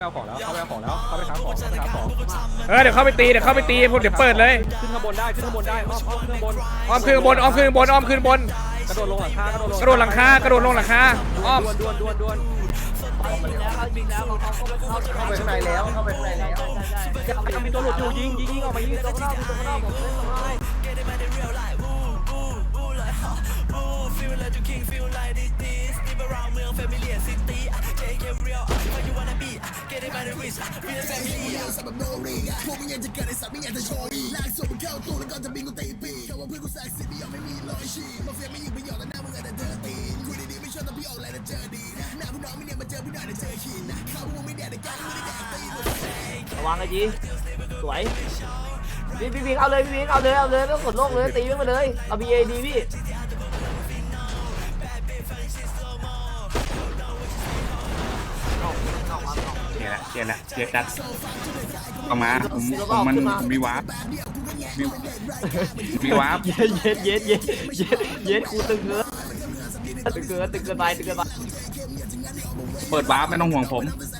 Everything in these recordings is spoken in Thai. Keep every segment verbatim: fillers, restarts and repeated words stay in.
เอาของแล้วเข้าไปเอาของแล้วเข้าไปค้าของเข้าไปค้าของเออเดี๋ยวเข้าไปตีเดี๋ยวเข้าไปตีพวกเดี๋ยวเปิดเลยขึ้นข้างบนได้ขึ้นข้างบนได้อ้อมอ้อมขึ้นข้างบนอ้อมขึ้นบนอ้อมขึ้นบนอ้อมขึ้นบนกระโดดลงหลังคากระโดดลงกระโดดหลังคากระโดดลงหลังคาอ้อมดวนดวนดวนเข้าไปข้างในแล้วเข้าไปข้างในแล้วมีตัวหลุดอยู่ยิงยิงยิงออกมายิงตัวข้างนอกตัวข้างนอกผมเล่นสบายระวังไอ้จีสวยพี่พี่พี่เอาเลยพี่พี่เอาเลยเอาเลยไม่ต้องกดโลกเลยตีมันมาเลยเอาบีเอดีพี่เกียร์ละเกียร์ละเกียร์ดัดออกมาผมผมมันผมมีวาร์ปมีมีวาร์ปเย็ดเย็ดเย็ดเย็ดเย็ดเย็ดกูตึงเกินตึงเกินตึงเกินไปตึงเกินไปเปิดวาร์ปไม่ต้องห่วงผม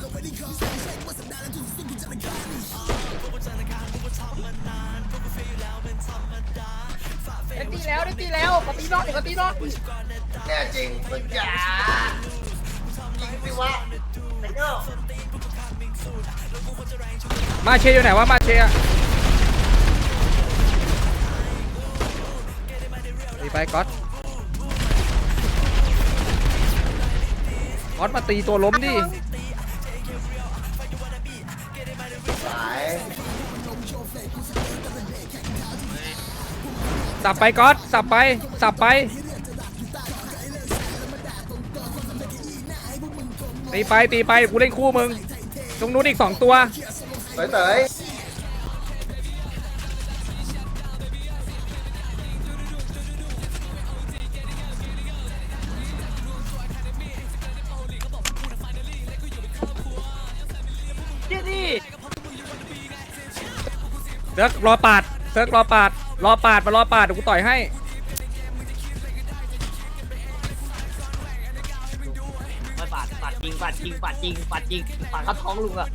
ได้ตีแล้วได้ตีแล้วปฏินอกเดี๋ยวปฏินอกแน่จริงมึงจ๋าจริงสิวะไอ้เจ้ามาเชียอยู่ไหนวะมาเชียตีไปก๊อตก๊อตมาตีตัวล้มดิสายสับไปก๊อตสับไปสับไปตีไปตีไปกูเล่นคู่มึงตรงนู้นอีกสองตัวเต๋ยเต๋ยนี่นี่เซิร์กรอปาดเซิร์กรอปาดรอปาดมารอปาดเดี๋ยวกูต่อยให้ปาดปาดจริงปาดจริงปาดจริงปาดจริงปาดเข้าท้องลุงอะ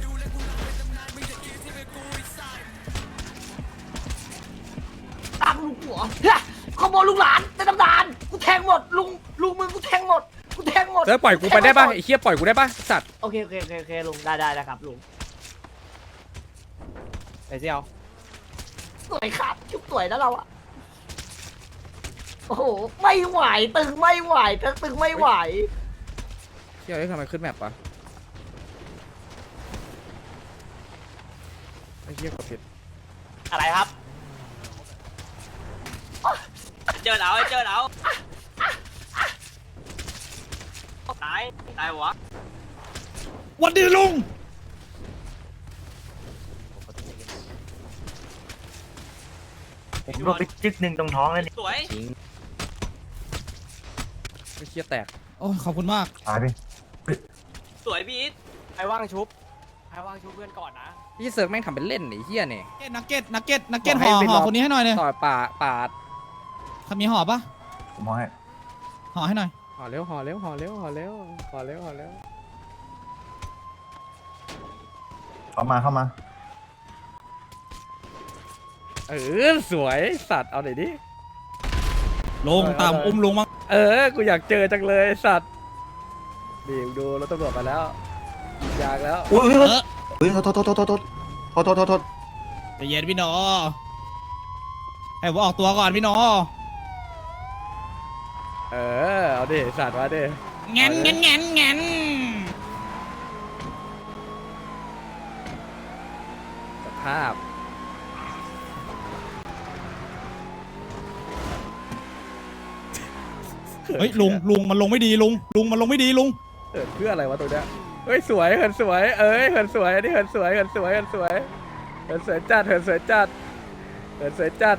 ตั้งลุงหัวขโมยลุงหลานในตำนานกูแทงหมดลุงลุงมึงกูแทงหมดกูแทงหมดเซิร์กปล่อยกูไปได้ป่ะไอ้เคียปล่อยกูได้ป่ะสัตว์โอเคโอเคโอเคโอเคลุงได้ได้นะครับลุงไอ้เจ้าสวยครับชุบสวยนะเราอะโอ้โหไม่ไหวตึงไม่ไหวตึงตึงไม่ไหวเที่ยวได้ทำไมขึ้นแมปปะไอ้เหี้ยกดผิดอะไรครับเจอแล้วเจอแล้วตายตายวะวันดีลุงผมโดนไปจึ๊กหนึ่งตรงท้องเลยสวยไอ้เหี้ยแตกโอ้ขอบคุณมากตายดิสวยพีทใครว่างชุบใครว่างชุบเพื่อนก่อนนะพี่เซิร์กแม่งทำเป็นเล่นไอ้เหี้ยเนี่ยนักเก็ตนักเก็ตนักเก็ตบห่อกอให้ไปห่อรอคนนี้ให้หน่อยเลยต่อยป่าปาดทำมีห่อปะผมมองให้ห่อให้หน่อยห่อเร็วห่อเร็วห่อเร็วห่อเร็วห่อเร็วห่อเร็วเข้ามาเข้ามาเออสวยสัตว์เอาหน่อยดิลงตามอุ้มลุงมั้งเออกูอยากเจอจังเลยสัตว์ดีดูรถตำรวจมาแล้วอยากแล้วอุ้ยเออเฮ้ยโทษโทษโทษโทษโทษโทษโทษโทษโทษใจเย็นพี่หนอให้ผมออกตัวก่อนพี่หนอเออเอาดิสัตว์มาดิแงนแงนแงนแงนสภาพเฮ้ยลุงลุงมันลงไม่ดีลุงลุงมันลงไม่ดีลุงเออเพื่ออะไรวะตัวเนี้ยเฮ้ยสวยเหินสวยเอ้ยเหินสวยอันนี้เหินสวยเหินสวยเหินสวยเหินสวยจัดเหินสวยจัดเหินสวยจัด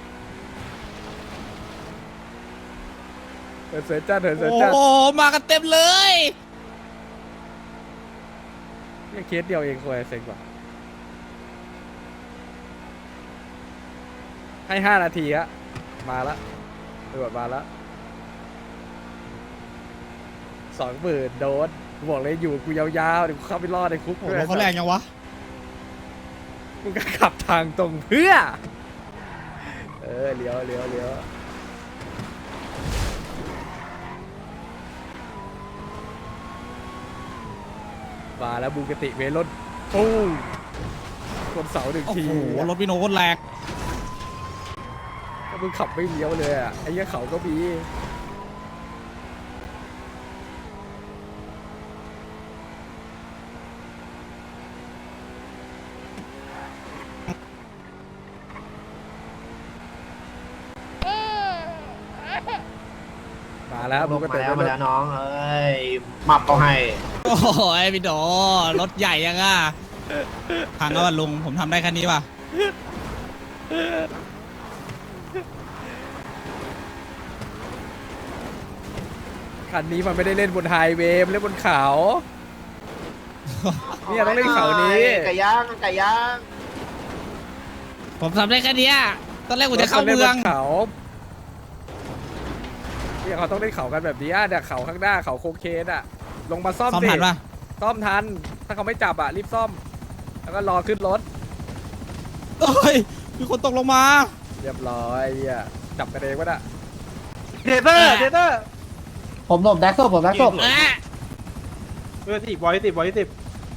เหินสวยจัดเหินสวยโอ้จัดโหมากันเต็มเลยนี่เคสเดียวเองควยเซ็งกว่าให้ห้านาทีฮะมาละตำรวจมาละสองหมื่นโดนกูบอกเลยอยู่กูยาวๆเดี๋ยวกูเข้าไปรอดในคุกโอ้โหรถเขาแรงยังวะมึงก็ขับทางตรงเพื่อเออเลี้ยวเลี้ยวเลี้ยวมาแล้วบูกติเวรถตู้คนเสาหนึ่งโอ้ทีโหรถพี่โน้ตโคตรแรงถ้ามึงขับไม่เลี้ยวเลยอ่ะไอ้เหี้ยเขาก็มี มาแล้วลมึงงก็มาเต็มแล้วไปมาหมแล้วดน้องเอ้ยมับเขาให้โอ้โหพี่โดรถใหญ่ยังอ่ะพังแล้วว่ะลุงผมทำได้แค่นี้ป่ะคันนี้มันไม่ได้เล่นบนไฮเวย์มันเล่นบนเขา เนี่ยต้องเล่นเขานี้ไก่ย่างไก่ย่างผมทำได้แค่เนี้ยตอนแรกผมจะเข้าเมืองล่นบนเขาเนี่ยเขาต้องเล่นเขากันแบบนี้เนี่ยเขาข้างหน้าเขาโคเคนอ่ะ ลงมาซ่อมซ่อมสิทันป่ะซ่อมทัน ถ้าเขาไม่จับอ่ะรีบซ่อม แล้วก็รอขึ้นรถเอ้ยมีคนตกลงมาเรียบร้อยเหี้ยจับกันเองวะน่ะเทเตอร์เทเตอร์ผมหลบแดกศพผมแดกศพเอ๊ะเออสิบบอยสิบบอยสิบ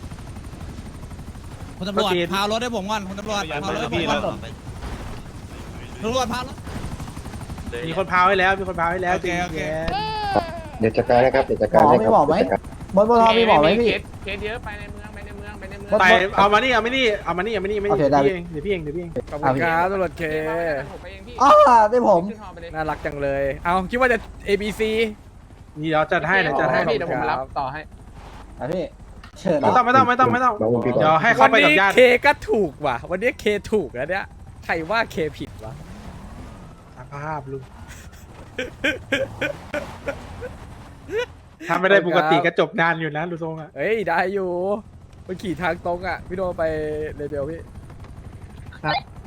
คุณตำรวจโอเคพารถให้ผมก่อนคุณตำรวจพารถให้ผมก่อนตำรวจพารถมีคนพาวให้แล้วมีคนพาวให้แล้วโอเคโอเคเดี๋ยวจัดการนะครับเดี๋ยวจัดการให้ครับบนบนทอมีบอกไหมพี่เคสเยอะไปในเมืองไปในเมืองไปในเมืองไปเอามานี่เอามานี่เอามานี่เอามานี่ไม่โอเคได้พี่เองเดี๋ยวพี่เองเดี๋ยวพี่เองขอบคุณครับตำรวจเคผมไปเองพี่อ๋อได้ผมขึ้นฮอไปเลยน่ารักจังเลย เอาคิดว่าจะ A B C นี่เดี๋ยวจัดให้เดี๋ยวจัดให้พี่เดี๋ยวผมรับต่อให้อ่ะพี่เชิญไม่ต้องไม่ต้องไม่ต้องไม่ต้องน้องพี่ก่อนเดี๋ยวให้เข้าวันไปกับนี้ญาติเคก็ถูกว่ะ วันนี้เคถูกแล้วเนี่ย ใครว่าเคผิดวะสภาพลุงถ้าไม่ได้ปกติก็จบนานอยู่นะลุงทรงอ่ะเฮ้ย ได้อยู่มันขี่ทางตรงอ่ะ พี่โดไปเลเบลพี่ครับ